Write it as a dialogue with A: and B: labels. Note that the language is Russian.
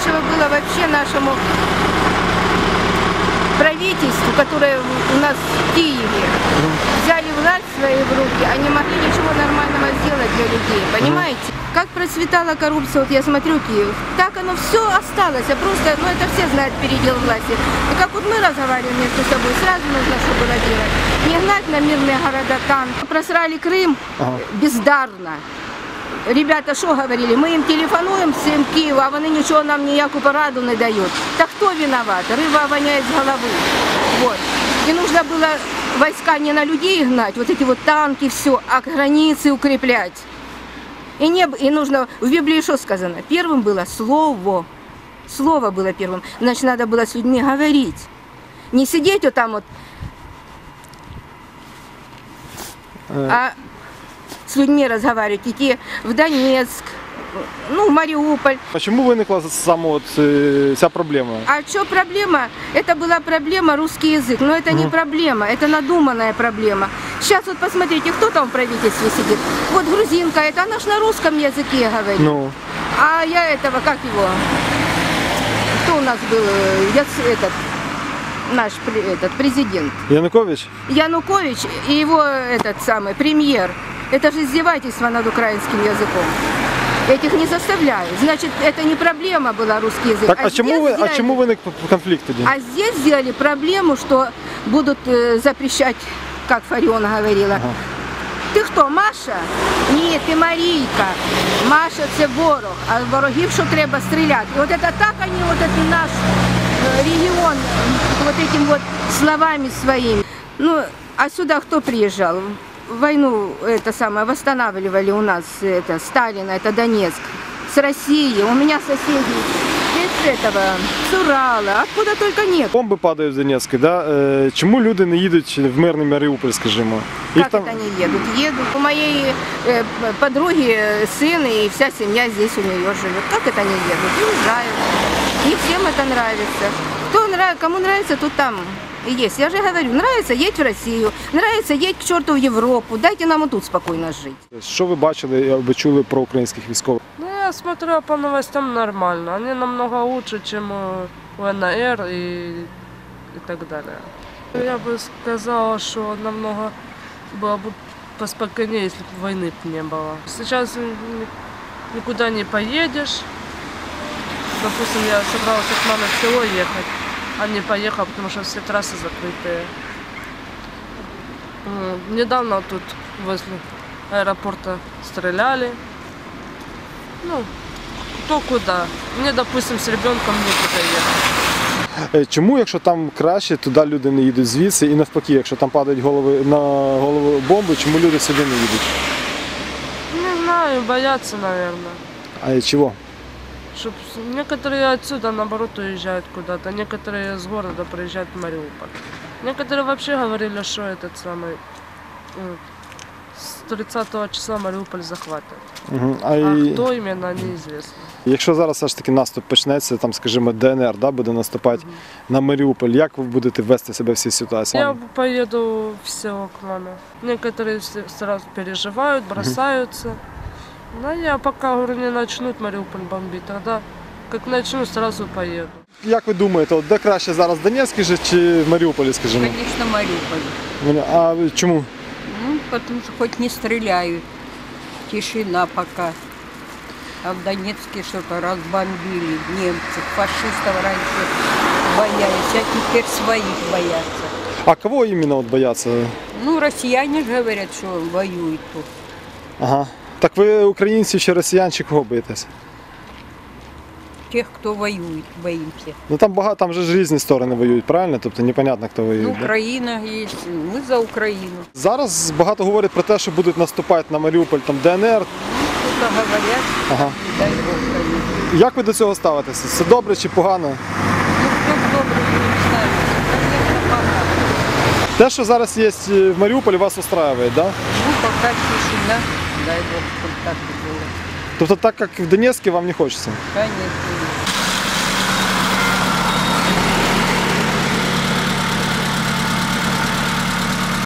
A: нечего было вообще нашему правительству, которое у нас в Киеве. Взяли власть в свои руки, а не могли ничего нормального сделать для людей, понимаете? Как процветала коррупция, вот я смотрю Киев, так оно все осталось, а просто, ну это все знают передел власти. И как вот мы разговариваем между собой, сразу нужно что было делать. Не гнать на мирные города танк. Просрали Крым бездарно. Ребята что говорили, мы им телефонуем всем Киеву, а вони ничего нам ніяку пораду не дают. Так кто виноват? Рыба воняет с головы. Вот. И нужно было войска не на людей гнать, вот эти вот танки, все, а границы укреплять. И нужно, в Библии что сказано? Первым было слово. Слово было первым. Значит, надо было с людьми говорить. Не сидеть вот там вот, а с людьми разговаривать, идти в Донецк, ну, в Мариуполь.
B: Почему виникла саме от ця проблема?
A: А что проблема? Это была проблема русский язык. Но это не проблема, это надуманная проблема. Сейчас вот посмотрите, кто там в правительстве сидит. Вот грузинка, это она ж на русском языке говорит.
B: Ну.
A: А я этого, как его? Кто у нас был? Наш президент.
B: Янукович?
A: Янукович и его этот самый премьер. Это же издевательство над украинским языком. Этих не заставляют. Значит, это не проблема была русский язык.
B: Так, а чему виник конфликт тоді?
A: А здесь сделали проблему, что будут запрещать, как Фарион говорила.
B: Ага.
A: Ти хто, Маша? Ні, ти Марійка. Маша – це ворог, а ворогів що треба стріляти. І от це так вони, от це наш регіон, вот этим вот словами своими. Ну, а сюда кто приезжал? Войну это самое восстанавливали у нас Сталина, это Донецк, с России. У меня соседи из этого, с Урала, откуда только нет.
B: Бомби падають в Донецьку, да? Чому люди не їдуть в мирний Маріуполь, скажімо?
A: Как это они едут? Едут. У моей подруги сын и вся семья здесь у нее живет. Как это они едут? Не уезжают. Не всем это нравится. Кому нравится, тут там и есть. Я же говорю, нравится, едь в Россию, нравится, едь к черту в Европу. Дайте нам тут спокойно жить.
B: Що ви бачили або чули про українських військових?
C: Ну, я смотрю по новостям нормально. Они намного лучше, чем у НР и так далее. Я бы сказала, что намного было бы поспокойнее, если бы войны не было. Сейчас никуда не поедешь. Допустим, я собралась с мамой в село ехать, а не поехала, потому что все трассы закрытые. Недавно тут возле аэропорта стреляли. Ну, кто куда. Мне, допустим, с ребенком некуда ехать.
B: Чому, якщо там краще, туди люди не їдуть звідси, і навпаки, якщо там падають на голову бомби, чому люди сюди не їдуть?
C: Не знаю, боятся, наверное.
B: А чого?
C: Чтоб некоторые отсюда, наоборот, уезжают куда-то, некоторые из города приезжают в Мариуполь. Некоторые вообще говорили, что этот самый с 30 числа Мариуполь захватят. А хто іменно, неізвісно.
B: Якщо зараз все ж таки наступ почнеться, там, скажімо, ДНР, да, буде наступати на Маріуполь, як ви будете вести себе в цій ситуації?
C: Я поеду в село к маме. Некоторые сразу переживают, бросаются. Но я пока, говорю, не начнут Мариуполь бомбить, тогда как начну, сразу поеду.
B: Як ви думаєте, от де краще зараз, в Донецьку чи в Маріуполі, скажімо?
D: Конечно, Мариуполь.
B: А чому?
D: Ну, потому что хоть не стреляют. Тишина пока. А в Донецке что-то разбомбили немцы. Фашистов раньше боялись, а теперь своих боятся.
B: А кого именно вот боятся?
D: Ну, россияне же говорят, что воюют тут.
B: Ага. Так ви українців чи росіян, чи кого боїтесь?
D: Тех, кто воюет, боимся.
B: Ну там багато, там же ж різні сторони воюють, правильно? Тобто непонятно, хто воює.
D: Ну,
B: да?
D: Украина есть, мы за Украину.
B: Зараз багато говорять про те, що будуть наступати на Маріуполь, там ДНР.
D: Кто-то говорят,
B: Ага.
D: дай Бог, конечно.
B: Як ви до цього ставитеся? Це добре чи погано?
D: Ну, кто добрый не знаю. Конечно, погано.
B: Те, що зараз є в Маріуполі, вас устраює, да?
D: Ну, пока тишина, дай Бог, чтобы так и было.
B: Тобто так, як в Донецьку, вам не хочеться?
D: Конечно.